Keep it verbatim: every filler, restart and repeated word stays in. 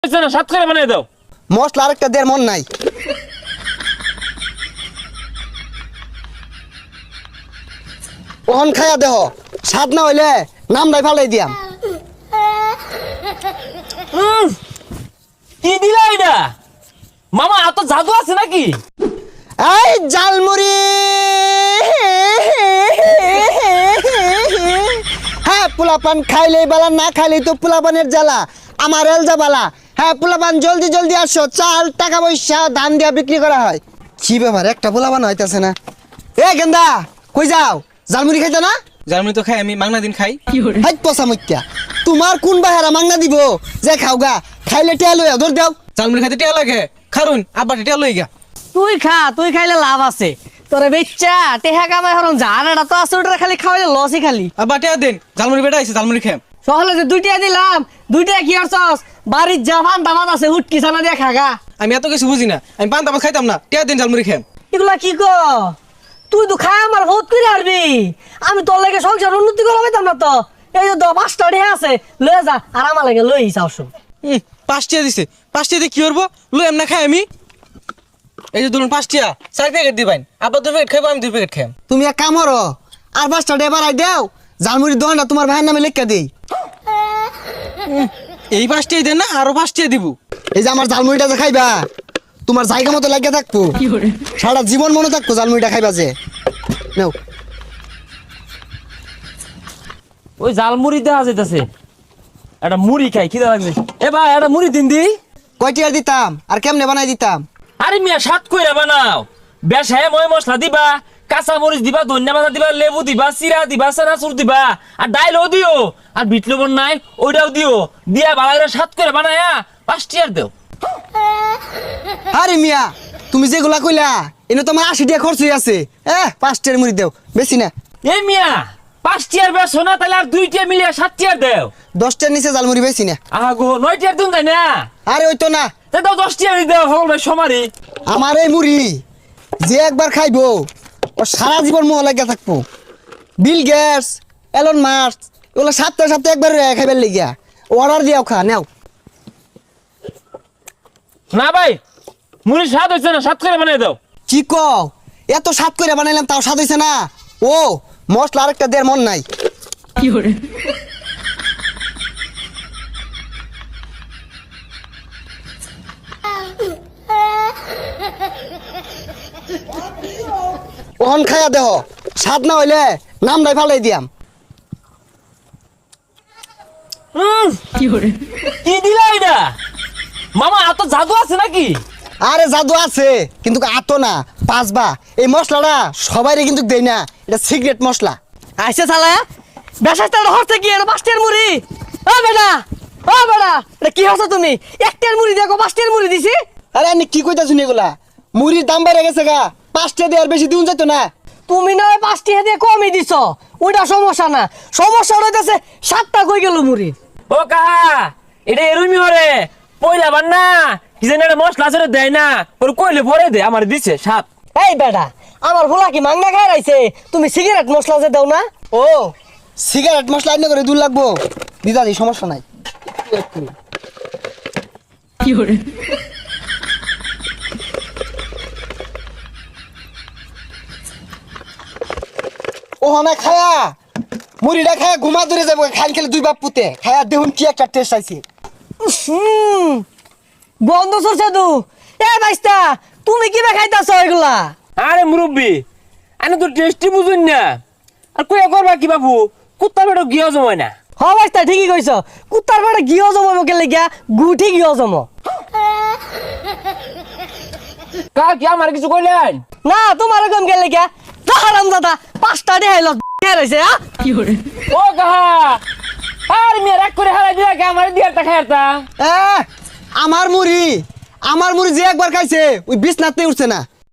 হইছে না সাত করে বানাই দাও। মশলা আরেকটা দেড় মন নাই। ওহন খায়া দেহ, স্বাদ না হইলে নাম নাই ফালাই দিয়াম। উম, কি দিলা এটা মামা? এত জাদু আছে নাকি? এই জালমুড়ি, হ্যাঁ পোলাপান খাইলেই বালা, না খাইলেই তো পোলাপানের জ্বালা। আমার এলজা বালা। হ্যাঁ পোলাপান জলদি জলদি আসো, চাল টাকা পয়সা ধান দিয়া বিক্রি করা হয়। কি ব্যাপার, একটা পোলাপান হইতাছে না। এ গেন্দা কই যাও? জালমুড়ি খাইতে না? জালমুড়ি তো খাই আমি, মাংনা দিন খাই। হাই পচা মুখ্যা, তোমার কোন বাহারা মাংনা দিব যে খাওগা? খাইলে টিয়া লইয়া ধর দাও। জালমুড়ি খাইতে টিয়া লাগে, খারুন আব্বা টিয়া লই গা। তুই খা, তুই খাইলে লাভ আছে তোরে বেচ্চা টেহা কামাই হরন জানাটা তো আছে, ওটা খালি খাওয়াইলে লসই খালি। আব্বা টিয়া দেন, জালমুড়ি বেটা আইছে, জালমুড়ি খাম। সহলে যে দুইটা দিলাম, দুইটা কি করছস? বাড়ির জামান দামাত আছে, হুটকি ছানা দিয়ে খাগা। আমি এত কিছু বুঝি না, আমি পান তামাক খাইতাম না, টিয়া দেন জালমুড়ি খাম। এগুলা কি ক? তুই তো খাই আমার বহুত করে হারবি। আমি তোর লাগে সংসার উন্নতি করা পাইতাম না তো। এই যে দশ পাঁচটা ঢেয়া আছে, লয়ে যা আর আমার লাগে লই যাও। শুন পাঁচ টিয়া দিছে, পাঁচ টিয়া দিয়ে কি করবো? লই এমনা খাই আমি। এই যে ধরুন পাঁচ টিয়া, চার প্যাকেট দিবেন। আব্বা দুই প্যাকেট খাইবো, আমি দুই প্যাকেট খাম। তুমি এক কাম করো, আর পাঁচটা ডে বাড়াই দাও, জালমুড়ির দোকানটা তোমার ভাইয়ের নামে লেখা দেই। এই পাঁচ টিয়া দেন না, আরো পাঁচ টিয়া দিব। এই যে আমার জালমুড়িটা যে খাইবা, তোমার জায়গা মতো লাগিয়ে থাকবো, সারা জীবন মনে থাকবো জালমুড়িটা খাইবা যে। নাও। ওই জাল মুড়ি দেখা যাইতেছে, একটা মুড়ি খাই খিদা লাগছে। এ ভাই একটা মুড়ি দিন দি। কয়টি আর দিতাম আর কেমনে বানাই দিতাম? আরে মিয়া সাত কইরা বানাও, বেশায় ময় মশলা দিবা, কাঁচা মরিচ দিবা, ধনিয়া পাতা দিবা, লেবু দিবা, চিরা দিবা, চানাচুর দিবা, আর ডাইলও দিও, আর বিট লবণ নাই ওইটাও দিও, দিয়া ভালো করে সাত করে বানায়া পাঁচটি আর দেও। আরে মিয়া তুমি যেগুলা কইলা এনে তোমার আশি টাকা খরচ হয়ে আছে। এ পাঁচটার মুড়ি দেও, বেশি না। এ মিয়া পাঁচটি আর বেশো না, তাহলে আর দুইটা মিলিয়ে সাতটি আর দেও। দশটার নিচে জালমুড়ি বেশি না। আগো নয়টি আর দিন তাই না? আরে ওই তো না, তা দাও দশটি আর দেও সকল ভাই সমারি। আমার এই মুড়ি যে একবার খাইবো ও সারা জীবন মোহ লাগিয়া থাকবো। বিল গেটস, এলন মাস্ক এগুলো সপ্তাহে সপ্তাহে একবার খাইবার লেগিয়া অর্ডার দিয়াও খা নাও। না ভাই মুড়ি স্বাদ হয়েছে না, সাত করে বানাই দাও। কি কও? এত স্বাদ করে বানাইলাম তাও স্বাদ হইছে না? ও মশলা আরেকটা দেড় মন নাই। কি করে? ওহন খায়া দেহ, স্বাদ না হইলে নাম নাই ফালাই দিয়াম। উম, কি করে? কি দিলা এটা মামা? এত জাদু আছে নাকি? আরে জাদু আছে কিন্তু আতো না, পাঁচবা। এই মশলাটা সবাইরে কিন্তু দেই না, এটা সিক্রেট মশলা। আইসে শালা বেশাইতে হচ্ছে কি? এটা পাঁচটার মুড়ি। ও বেটা, ও বেটা, এটা কি হচ্ছে তুমি? একটার মুড়ি দেখো পাঁচটার মুড়ি দিছি। আরে আমি কি কইতাছুন এগুলা? মুড়ির দাম বেড়ে গেছে গা, পাঁচটা দিয়ে আর বেশি দিন যেত না। তুমি নয় পাঁচটি দিয়ে কমই দিছ, ওইটা সমস্যা না। সমস্যা হইতেছে সাতটা কই গেল মুড়ির। ও কাহা এটা এরুমি হরে পয়লা বান না কি জানি একটা মশলা আছে দেয় না, ওর কইলে পরে দে আমার দিছে সাত। এই বেটা, আমার ভোলা কি মাংনা খাই রাইছে? তুমি সিগারেট মশলা যে দাও না? ও সিগারেট মশলা আইনে করে দূর লাগবো, দিদা দি সমস্যা নাই। কি করে? ও না খায়া মুড়িটা খায়া ঘুমা ধরে যাবো, খাইল খেলে দুই বাপ পুতে খায়া দেখুন কি একটা টেস্ট আইছে। হুম বন্ধ সরছে তু। এ বাইস্তা, তুমি কি বে খাইতাছ এগুলা? আরে মুরব্বি আমি তো টেস্টি বুঝুন না, আর কইয়া করবা কি বাবু? কুত্তার বেটা গিয়া জমায় না। হ বাইস্তা ঠিকই কইছ, কুত্তার বেটা গিয়ে জমাবো কে লেগিয়া? গুঠি গিয়ে জম কা কি আমার কিছু কইলেন না, তোমার কম কে লেগিয়া? হারাম দাদা পাঁচটা দেখাইল রয়েছে। কি করে? ও কাহা আর মেয়ে রাগ করে হারাই দিয়া কে আমার দিয়ে একটা খাইতাম। এ আমার মুড়ি, আমার মুড়ি যে একবার খাইছে ওই বিছনাতে উঠছে না।